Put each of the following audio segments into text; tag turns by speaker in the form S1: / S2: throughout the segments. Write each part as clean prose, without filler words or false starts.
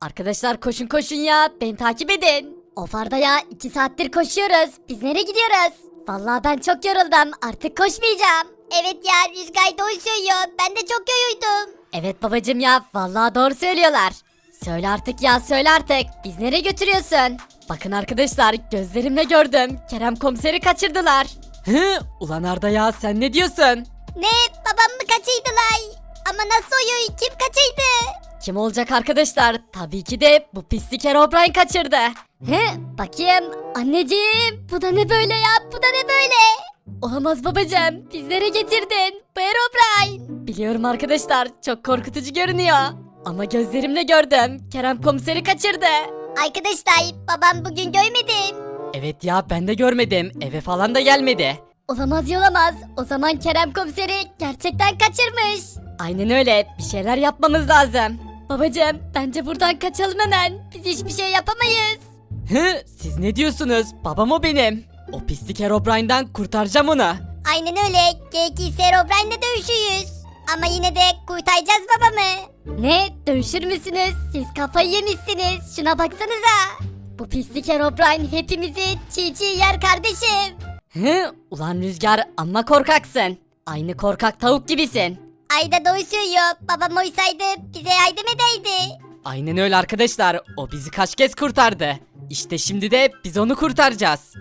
S1: Arkadaşlar koşun koşun ya. Beni takip edin. Of Arda ya 2 saattir koşuyoruz. Biz nereye gidiyoruz? Vallahi ben çok yoruldum. Artık koşmayacağım.
S2: Evet ya Rüzgar doğru söylüyor. Ben de çok yoruldum.
S1: Evet babacım ya. Vallahi doğru söylüyorlar. Söyle artık ya söyle artık. Biz nereye götürüyorsun? Bakın arkadaşlar gözlerimle gördüm. Kerem komiseri kaçırdılar. Hı, ulan Arda ya sen ne diyorsun?
S2: Ne? Babam mı kaçırdılar? Ama nasıl oluyor? Kim kaçırdı?
S1: Kim olacak arkadaşlar? Tabii ki de bu pislik Herobrine kaçırdı. He, bakayım. Anneciğim, bu da ne böyle ya? Bu da ne böyle? Olamaz babacığım. Bizlere getirdin. Bu Herobrine. Biliyorum arkadaşlar. Çok korkutucu görünüyor. Ama gözlerimle gördüm. Kerem komiseri kaçırdı.
S2: Arkadaşlar babam bugün görmedim.
S1: Evet ya ben de görmedim. Eve falan da gelmedi. Olamaz olamaz. O zaman Kerem komiseri gerçekten kaçırmış. Aynen öyle. Bir şeyler yapmamız lazım. Babacığım bence buradan kaçalım hemen. Biz hiçbir şey yapamayız. Hı, siz ne diyorsunuz? Babam o benim. O pislik Herobrine'den kurtaracağım onu.
S2: Aynen öyle. Gerekirse Herobrine'le dövüşüyüz. Ama yine de kurtaracağız babamı.
S1: Ne? Dövüşür müsünüz? Siz kafayı yemişsiniz. Şuna baksanıza. Bu pislik Herobrine hepimizi çiğ çiğ yer kardeşim. Hı, ulan Rüzgar amma korkaksın. Aynı korkak tavuk gibisin.
S2: Ayda doğru söylüyor. Babam oysaydı bize yardım edeydi.
S1: Aynen öyle arkadaşlar. O bizi kaç kez kurtardı. İşte şimdi de biz onu kurtaracağız.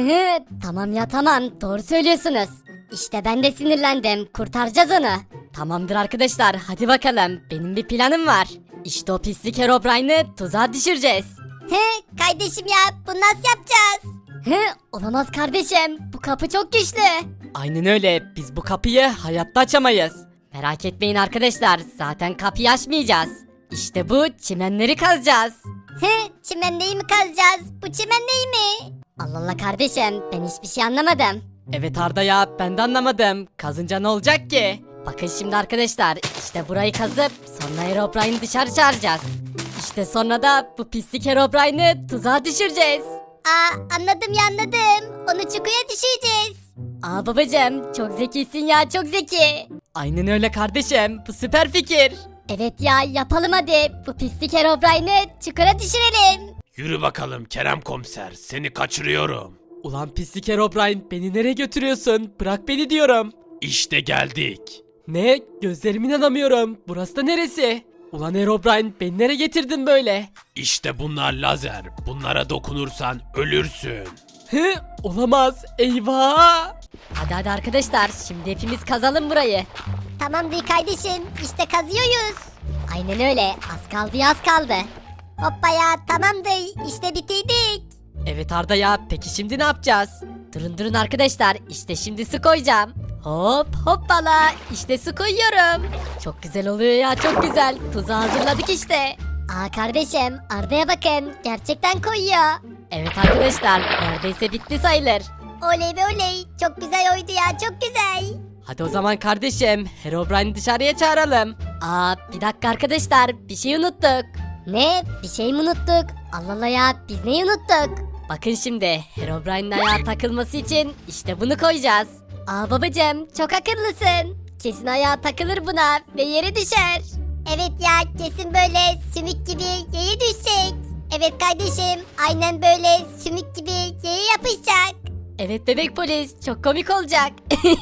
S1: Tamam ya tamam. Doğru söylüyorsunuz. İşte ben de sinirlendim. Kurtaracağız onu. Tamamdır arkadaşlar. Hadi bakalım. Benim bir planım var. İşte o pislik Herobrine'ı tuzağa düşüreceğiz.
S2: He kardeşim ya bunu nasıl yapacağız?
S1: Olamaz kardeşim. Bu kapı çok güçlü. Aynen öyle. Biz bu kapıyı hayatta açamayız. Merak etmeyin arkadaşlar. Zaten kapıyı açmayacağız. İşte bu çimenleri kazacağız.
S2: Çimenliği mi kazacağız? Bu çimenliği mi?
S1: Allah Allah kardeşim. Ben hiçbir şey anlamadım. Evet Arda ya ben de anlamadım. Kazınca ne olacak ki? Bakın şimdi arkadaşlar. İşte burayı kazıp sonra Herobrine'i dışarı çağıracağız. İşte sonra da bu pislik Herobrine'i tuzağa düşüreceğiz.
S2: Anladım ya anladım. Onu çukura düşüreceğiz.
S1: Babacığım çok zekisin ya çok zeki. Aynen öyle kardeşim bu süper fikir. Evet ya yapalım hadi. Bu pislik Herobrine'i çukura düşürelim.
S3: Yürü bakalım Kerem komiser, seni kaçırıyorum.
S1: Ulan pislik Herobrine beni nereye götürüyorsun? Bırak beni diyorum.
S3: İşte geldik.
S1: Ne? Gözlerime inanamıyorum. Burası da neresi? Ulan Herobrine beni nereye getirdin böyle?
S3: İşte bunlar lazer. Bunlara dokunursan ölürsün.
S1: Hı? Olamaz. Eyvah. Hadi arkadaşlar şimdi hepimiz kazalım burayı.
S2: Tamamdır kardeşim. İşte kazıyoruz.
S1: Aynen öyle. Az kaldı ya az kaldı.
S2: Hoppa ya tamamdır. İşte bitirdik.
S1: Evet Arda ya peki şimdi ne yapacağız? Durun arkadaşlar işte şimdi su koyacağım. Hop hoppala işte su koyuyorum. Çok güzel oluyor ya çok güzel. Tuzu hazırladık işte.
S2: Kardeşim Arda'ya bakın. Gerçekten koyuyor.
S1: Evet arkadaşlar neredeyse bitti sayılır.
S2: Oley be oley. Çok güzel oydu ya çok güzel.
S1: Hadi o zaman kardeşim Herobrine'i dışarıya çağıralım. Bir dakika arkadaşlar bir şey unuttuk.
S2: Ne? Bir şey mi unuttuk? Allah Allah ya biz neyi unuttuk?
S1: Bakın şimdi Herobrine'in ayağa takılması için işte bunu koyacağız.
S2: Babacığım çok akıllısın. Kesin ayağa takılır buna ve yere düşer. Evet ya kesin böyle sümük gibi yere düşecek. Evet kardeşim aynen böyle sümük gibi yere yapışacak.
S1: Evet bebek polis çok komik olacak.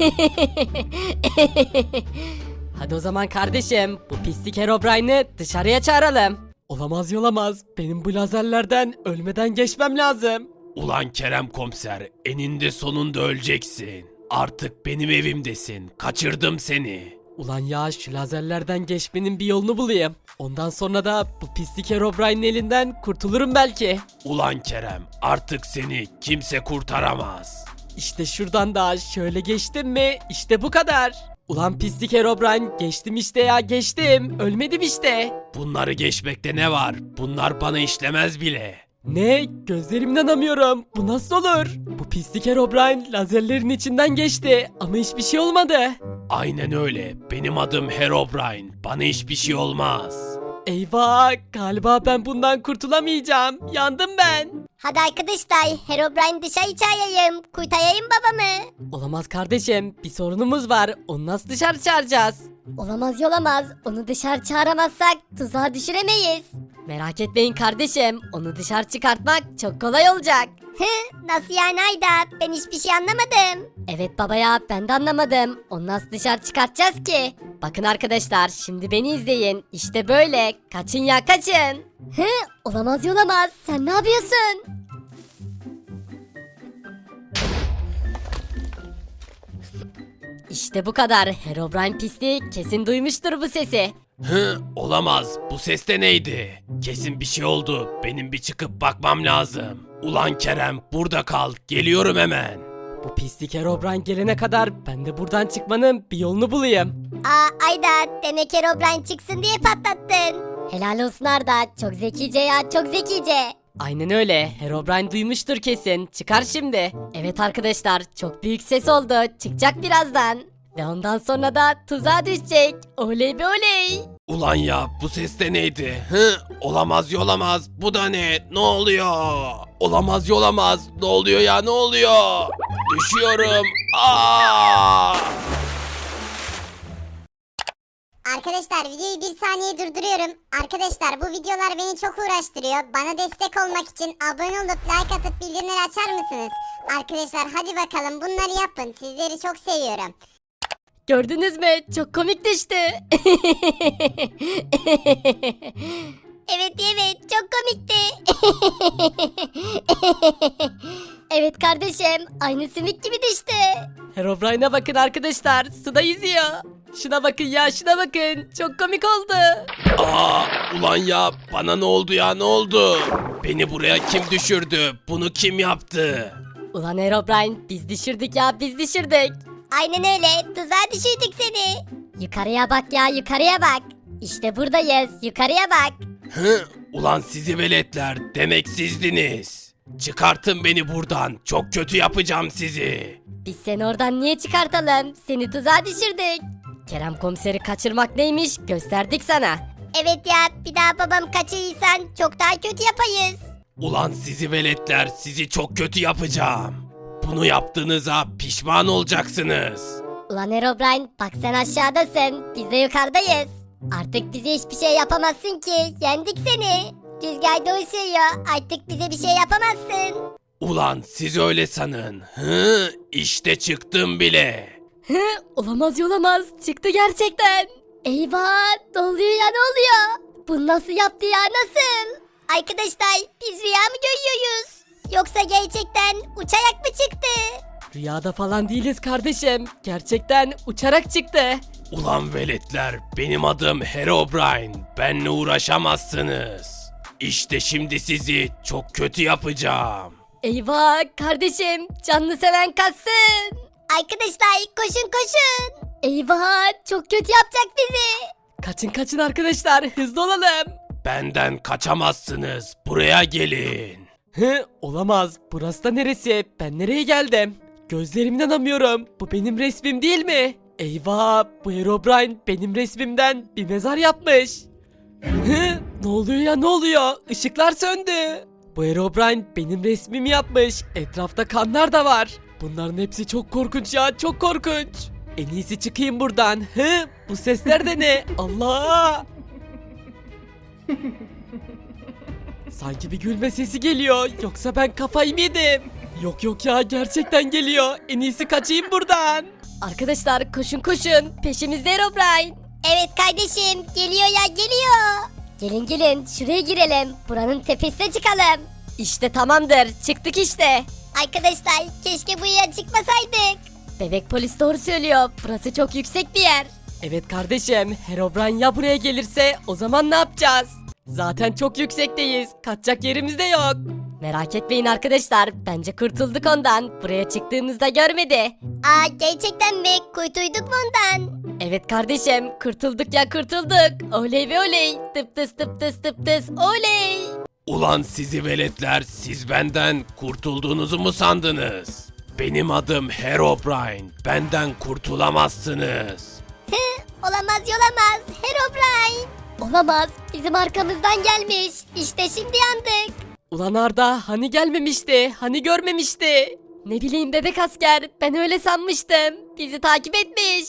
S1: Hadi o zaman kardeşim bu pislik Herobrine'i dışarıya çağıralım. Olamaz. Benim bu lazerlerden ölmeden geçmem lazım.
S3: Ulan Kerem komiser, eninde sonunda öleceksin. Artık benim evimdesin. Kaçırdım seni.
S1: Ulan ya şu lazerlerden geçmenin bir yolunu bulayım. Ondan sonra da bu pislik Herobrine'in elinden kurtulurum belki.
S3: Ulan Kerem, artık seni kimse kurtaramaz.
S1: İşte şuradan da şöyle geçtim mi işte bu kadar. Ulan pislik Herobrine geçtim işte ya geçtim. Ölmedim işte.
S3: Bunları geçmekte ne var? Bunlar bana işlemez bile.
S1: Ne? Gözlerimden inanamıyorum. Bu nasıl olur? Bu pislik Herobrine lazerlerin içinden geçti ama hiçbir şey olmadı.
S3: Aynen öyle. Benim adım Herobrine. Bana hiçbir şey olmaz.
S1: Eyvah! Galiba ben bundan kurtulamayacağım. Yandım ben.
S2: Hadi arkadaşlar Herobrine dışarı çağırayım. Kurtarayım babamı.
S1: Olamaz kardeşim. Bir sorunumuz var. Onu nasıl dışarı çağıracağız?
S2: Olamaz. Onu dışarı çağıramazsak tuzağa düşüremeyiz.
S1: Merak etmeyin kardeşim, onu dışarı çıkartmak çok kolay olacak.
S2: Nasıl yani Ayda? Ben hiçbir şey anlamadım.
S1: Evet baba ya, ben de anlamadım. Onu nasıl dışarı çıkartacağız ki? Bakın arkadaşlar, şimdi beni izleyin. İşte böyle. Kaçın ya, kaçın.
S2: Olamaz. Sen ne yapıyorsun?
S1: İşte bu kadar. Herobrine pisliği kesin duymuştur bu sesi.
S3: Olamaz. Bu ses de neydi? Kesin bir şey oldu. Benim bir çıkıp bakmam lazım. Ulan Kerem, burada kal. Geliyorum hemen.
S1: Bu pislik Herobrine gelene kadar ben de buradan çıkmanın bir yolunu bulayım.
S2: Ayda, demek Herobrine çıksın diye patlattın. Helal olsun Arda. Çok zekice ya, çok zekice.
S1: Aynen öyle. Herobrine duymuştur kesin. Çıkar şimdi. Evet arkadaşlar, çok büyük ses oldu. Çıkacak birazdan. Ve ondan sonra da tuzağa düşecek. Oley be oley.
S3: Ulan ya, bu ses de neydi? Olamaz. Bu da ne? Ne oluyor? Olamaz. Ne oluyor ya? Ne oluyor? Düşüyorum. Aa!
S2: Arkadaşlar videoyu bir saniye durduruyorum. Arkadaşlar bu videolar beni çok uğraştırıyor. Bana destek olmak için abone olup like atıp bildirimleri açar mısınız? Arkadaşlar hadi bakalım bunları yapın. Sizleri çok seviyorum.
S1: Gördünüz mü? Çok komik düştü.
S2: Evet çok komikti. Evet kardeşim aynı sümük gibi düştü.
S1: Herobrine'a bakın arkadaşlar. Suda yüzüyor. Şuna bakın ya, şuna bakın. Çok komik oldu.
S3: Ulan ya, bana ne oldu ya? Ne oldu? Beni buraya kim düşürdü? Bunu kim yaptı?
S1: Ulan Herobrine, biz düşürdük ya, biz düşürdük.
S2: Aynen öyle tuzağa düşürdük seni. Yukarıya bak ya yukarıya bak. İşte buradayız yukarıya bak.
S3: Ulan sizi veletler, demek sizdiniz. Çıkartın beni buradan. Çok kötü yapacağım sizi.
S1: Biz seni oradan niye çıkartalım? Seni tuzağa düşürdük. Kerem komiseri kaçırmak neymiş gösterdik sana.
S2: Evet ya bir daha babam kaçırırsan çok daha kötü yapayız.
S3: Ulan sizi veletler, sizi çok kötü yapacağım. Bunu yaptığınıza pişman olacaksınız.
S2: Ulan Herobrine bak sen aşağıdasın biz de yukarıdayız. Artık bize hiçbir şey yapamazsın ki yendik seni. Rüzgar doğru söylüyor artık bize bir şey yapamazsın.
S3: Ulan siz öyle sanın. İşte çıktım bile.
S1: Olamaz. Çıktı gerçekten.
S2: Eyvah ne oluyor ya ne oluyor? Bu nasıl yaptı ya nasıl? Arkadaşlar biz rüya mı görüyoruz? Yoksa gerçekten uçarak mı çıktı?
S1: Rüyada falan değiliz kardeşim. Gerçekten uçarak çıktı.
S3: Ulan veletler, benim adım Herobrine. Benle uğraşamazsınız. İşte şimdi sizi çok kötü yapacağım.
S1: Eyvah kardeşim, canlı seven kaçsın.
S2: Arkadaşlar koşun.
S1: Eyvah, çok kötü yapacak bizi. Kaçın arkadaşlar, hızlı olalım.
S3: Benden kaçamazsınız. Buraya gelin.
S1: Olamaz. Burası da neresi? Ben nereye geldim? Gözlerime inanamıyorum. Bu benim resmim değil mi? Eyvah, bu Herobrine benim resmimden bir mezar yapmış. Ne oluyor ya, ne oluyor? Işıklar söndü. Bu Herobrine benim resmimi yapmış. Etrafta kanlar da var. Bunların hepsi çok korkunç ya, çok korkunç. En iyisi çıkayım buradan. Bu sesler de ne? Allah! Sanki bir gülme sesi geliyor. Yoksa ben kafayı mı yedim? Yok ya, gerçekten geliyor. En iyisi kaçayım buradan. Arkadaşlar koşun. Peşimizde Herobrine.
S2: Evet kardeşim geliyor ya geliyor. Gelin şuraya girelim. Buranın tepesine çıkalım.
S1: İşte tamamdır. Çıktık işte.
S2: Arkadaşlar keşke buraya çıkmasaydık.
S1: Bebek polis doğru söylüyor. Burası çok yüksek bir yer. Evet kardeşim. Herobrine ya buraya gelirse o zaman ne yapacağız? Zaten çok yüksekteyiz. Kaçacak yerimiz de yok. Merak etmeyin arkadaşlar. Bence kurtulduk ondan. Buraya çıktığımızda görmedi.
S2: Gerçekten mi? Kurtulduk mu ondan?
S1: Evet kardeşim. Kurtulduk ya, kurtulduk. Oley ve oley. Tıp tıs oley.
S3: Ulan sizi veletler, siz benden kurtulduğunuzu mu sandınız? Benim adım Herobrine. Benden kurtulamazsınız.
S2: Olamaz Herobrine. Olamaz bizim arkamızdan gelmiş. İşte şimdi yandık.
S1: Ulan Arda, hani gelmemişti? Hani görmemişti? Ne bileyim bebek asker, ben öyle sanmıştım. Bizi takip etmiş.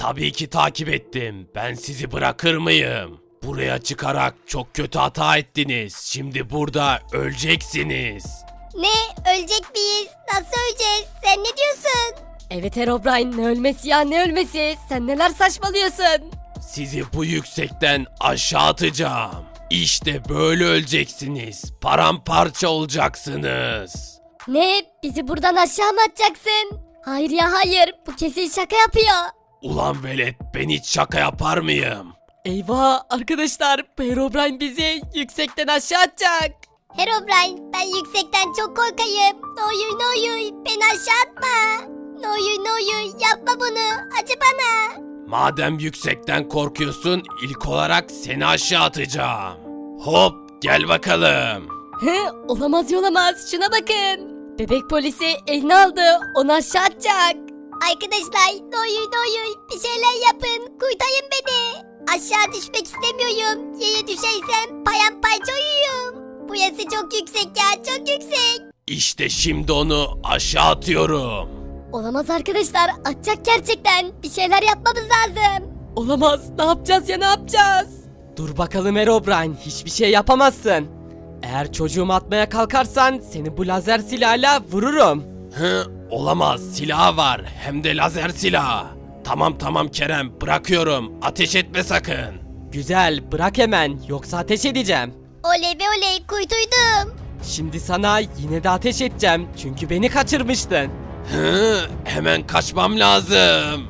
S3: Tabii ki takip ettim. Ben sizi bırakır mıyım? Buraya çıkarak çok kötü hata ettiniz. Şimdi burada öleceksiniz.
S2: Ne? Ölecek miyiz? Nasıl öleceğiz? Sen ne diyorsun?
S1: Evet Herobrine, ne ölmesi ya, ne ölmesi? Sen neler saçmalıyorsun?
S3: Sizi bu yüksekten aşağı atacağım. İşte böyle öleceksiniz. Paramparça olacaksınız.
S2: Ne? Bizi buradan aşağı mı atacaksın? Hayır ya hayır. Bu kesin şaka yapıyor.
S3: Ulan velet, ben hiç şaka yapar mıyım?
S1: Eyvah arkadaşlar, bu Herobrine bizi yüksekten aşağı atacak.
S2: Herobrine, ben yüksekten çok korkayım. Ne olur ne olur beni aşağı atma. Ne olur ne olur yapma bunu. Acı bana.
S3: Madem yüksekten korkuyorsun, ilk olarak seni aşağı atacağım. Hop, gel bakalım.
S1: He, olamaz, şuna bakın. Bebek polisi eline aldı, onu aşağı atacak.
S2: Arkadaşlar ne olur ne olur bir şeyler yapın. Kurtarın beni. Aşağı düşmek istemiyorum. Yere düşersem paramparça oluyorum. Burası çok yüksek ya çok yüksek.
S3: İşte şimdi onu aşağı atıyorum.
S2: Olamaz arkadaşlar atacak gerçekten. Bir şeyler yapmamız lazım.
S1: Olamaz, ne yapacağız ya, ne yapacağız? Dur bakalım Herobrine, hiçbir şey yapamazsın. Eğer çocuğumu atmaya kalkarsan seni bu lazer silahıyla vururum.
S3: Olamaz, silah var, hem de lazer silahı. Tamam Kerem, bırakıyorum, ateş etme sakın.
S1: Güzel, bırak hemen, yoksa ateş edeceğim.
S2: Oley be oley kurtuldum.
S1: Şimdi sana yine de ateş edeceğim, çünkü beni kaçırmıştın.
S3: Hemen kaçmam lazım.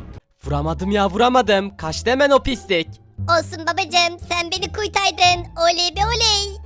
S1: Vuramadım, kaçtı hemen o pislik.
S2: Olsun babacığım sen beni kurtardın. Oley be oley.